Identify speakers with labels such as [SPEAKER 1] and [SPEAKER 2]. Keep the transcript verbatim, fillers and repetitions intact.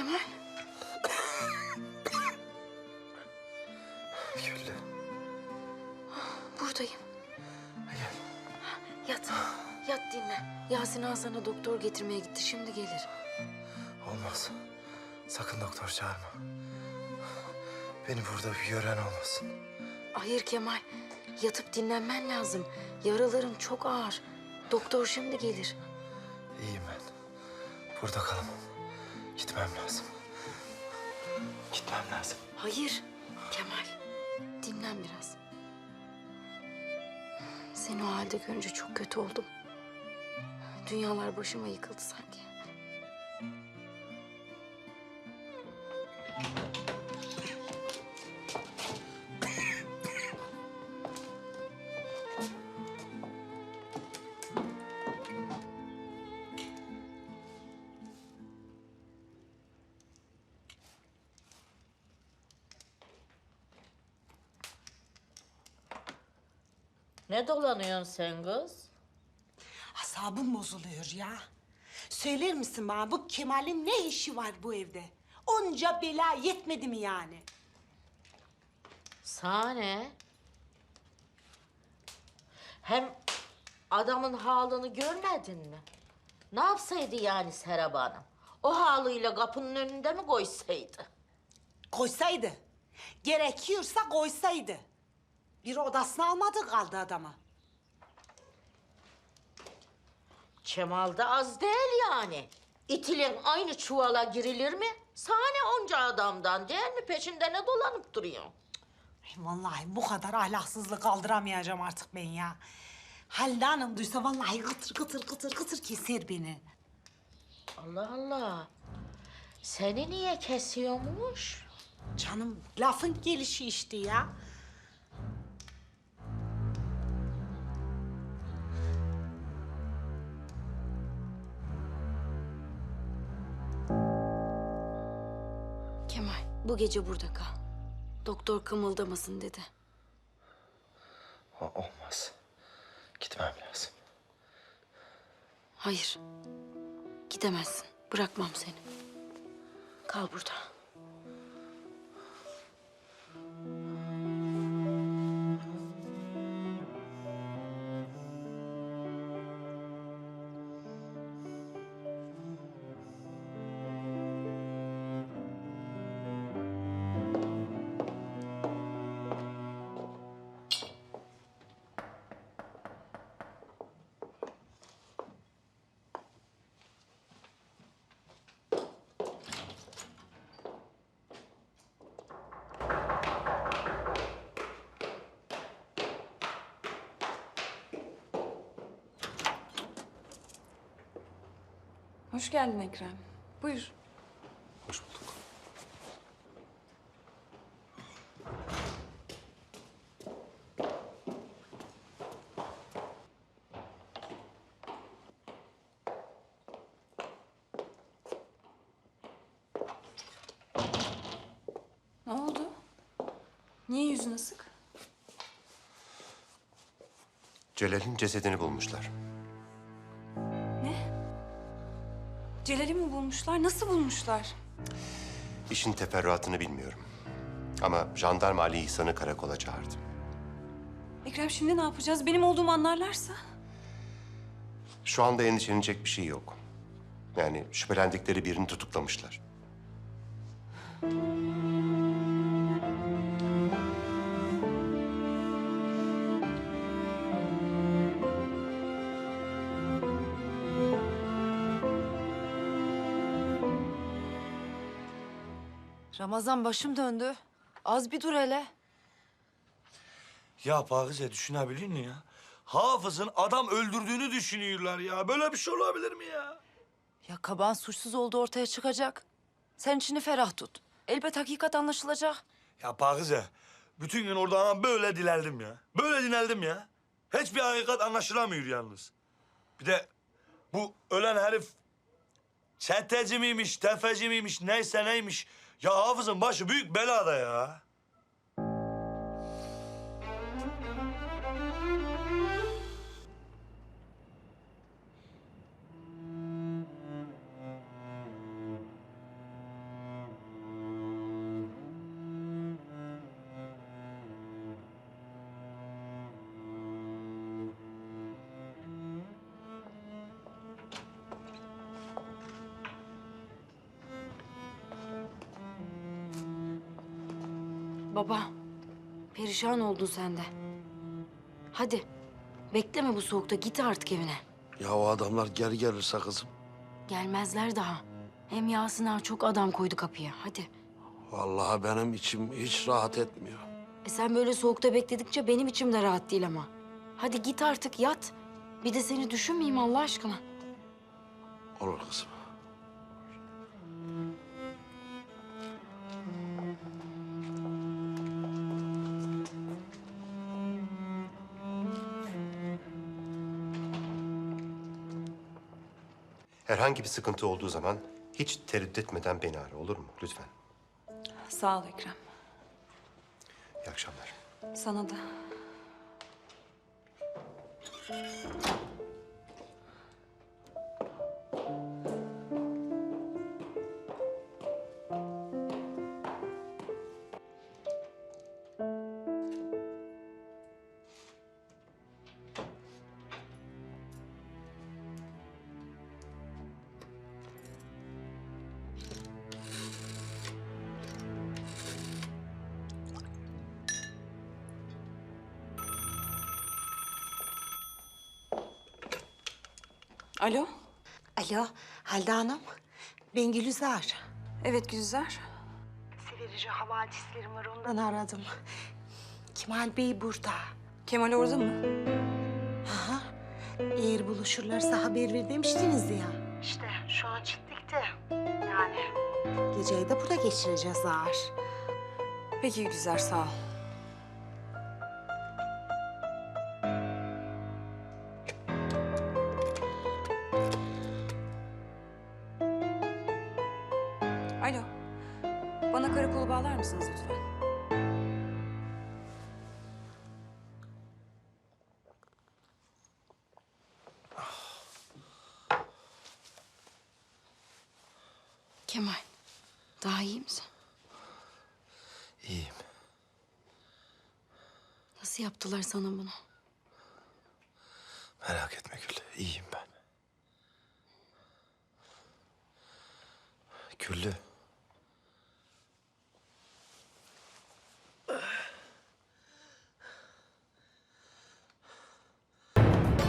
[SPEAKER 1] Kemal.
[SPEAKER 2] Güllü.
[SPEAKER 1] Buradayım.
[SPEAKER 2] Gel.
[SPEAKER 1] Yat. Yat dinle. Yasin Ağa sana doktor getirmeye gitti. Şimdi gelir.
[SPEAKER 2] Olmaz. Sakın doktor çağırma. Beni burada bir gören olmasın.
[SPEAKER 1] Hayır Kemal. Yatıp dinlenmen lazım. Yaraların çok ağır. Doktor şimdi gelir.
[SPEAKER 2] İyiyim ben. Burada kalamam. Gitmem lazım. Gitmem lazım.
[SPEAKER 1] Hayır Kemal. Dinlen biraz. Seni o halde görünce çok kötü oldum. Dünyalar başıma yıkıldı sanki.
[SPEAKER 3] Ne dolanıyorsun sen kız?
[SPEAKER 4] Asabım bozuluyor ya. Söyler misin bana bu Kemal'in ne işi var bu evde? Onca bela yetmedi mi yani?
[SPEAKER 3] Sana ne? Hem adamın halını görmedin mi? Ne yapsaydı yani Serap Hanım? O halıyla kapının önünde mi koysaydı?
[SPEAKER 4] Koysaydı. Gerekiyorsa koysaydı. Bir odasını almadı kaldı adama.
[SPEAKER 3] Kemal da az değil yani. İtilin aynı çuvala girilir mi? Sana ne onca adamdan değil mi? Peşinde ne dolanıp duruyor?
[SPEAKER 4] Ay vallahi bu kadar ahlaksızlık kaldıramayacağım artık ben ya. Halide Hanım duysa vallahi kıtır kıtır kıtır kıtır keser beni.
[SPEAKER 3] Allah Allah. Seni niye kesiyormuş?
[SPEAKER 4] Canım lafın gelişi işte ya.
[SPEAKER 1] Kemal bu gece burada kal. Doktor kımıldamasın dedi.
[SPEAKER 2] O- olmaz. Gitmem lazım.
[SPEAKER 1] Hayır. Gidemezsin. Bırakmam seni. Kal burada.
[SPEAKER 5] Hoş geldin Ekrem. Buyur.
[SPEAKER 2] Hoş bulduk.
[SPEAKER 5] Ne oldu? Niye yüzün asık?
[SPEAKER 6] Celal'in cesedini bulmuşlar.
[SPEAKER 5] Ne? Celal'i mi bulmuşlar? Nasıl bulmuşlar?
[SPEAKER 6] İşin teferruatını bilmiyorum. Ama jandarma Ali İhsan'ı karakola çağırdı.
[SPEAKER 5] Ekrem şimdi ne yapacağız? Benim olduğumu anlarlarsa?
[SPEAKER 6] Şu anda endişelenecek bir şey yok. Yani şüphelendikleri birini tutuklamışlar.
[SPEAKER 7] Ramazan başım döndü. Az bir dur hele.
[SPEAKER 8] Ya Pakize düşünebilir mi ya? Hafız'ın adam öldürdüğünü düşünüyorlar ya. Böyle bir şey olabilir mi ya?
[SPEAKER 7] Ya Kaban suçsuz olduğu ortaya çıkacak. Sen içini ferah tut. Elbet hakikat anlaşılacak.
[SPEAKER 8] Ya Pakize, bütün gün orada ama böyle dilerdim ya. Böyle dineldim ya. Hiçbir hakikat anlaşılamıyor yalnız. Bir de bu ölen herif çeteci miymiş, tefeci miymiş, neyse neymiş. Ya Hafız'ın başı büyük belada ya.
[SPEAKER 1] Baba, perişan oldun sen de. Hadi, bekleme bu soğukta. Git artık evine.
[SPEAKER 9] Ya o adamlar geri gelirse kızım.
[SPEAKER 1] Gelmezler daha. Hem Yasin ağa çok adam koydu kapıya. Hadi.
[SPEAKER 9] Vallahi benim içim hiç rahat etmiyor.
[SPEAKER 1] E sen böyle soğukta bekledikçe benim içim de rahat değil ama. Hadi git artık yat. Bir de seni düşünmeyeyim Allah aşkına.
[SPEAKER 9] Olur kızım.
[SPEAKER 6] Herhangi bir sıkıntı olduğu zaman hiç tereddüt etmeden beni ara, olur mu? Lütfen.
[SPEAKER 5] Sağ ol Ekrem.
[SPEAKER 6] İyi akşamlar.
[SPEAKER 5] Sana da. Alo.
[SPEAKER 4] Alo Halide Hanım. Ben Gülizar.
[SPEAKER 5] Evet Gülizar.
[SPEAKER 4] Severici havadislerim var ondan aradım. Kemal Bey burada.
[SPEAKER 5] Kemal orada mı?
[SPEAKER 4] Aha. Eğer buluşurlarsa haber ver demiştiniz ya. İşte şu an Çitlik'te. Yani. Geceyi de burada geçireceğiz ağır.
[SPEAKER 5] Peki Gülizar sağ ol. Alo. Bana karakolu bağlar mısınız lütfen?
[SPEAKER 1] Kemal, daha iyi misin?
[SPEAKER 2] İyiyim.
[SPEAKER 1] Nasıl yaptılar sana bunu?
[SPEAKER 2] Merak etme Güllü. İyiyim ben. Güllü.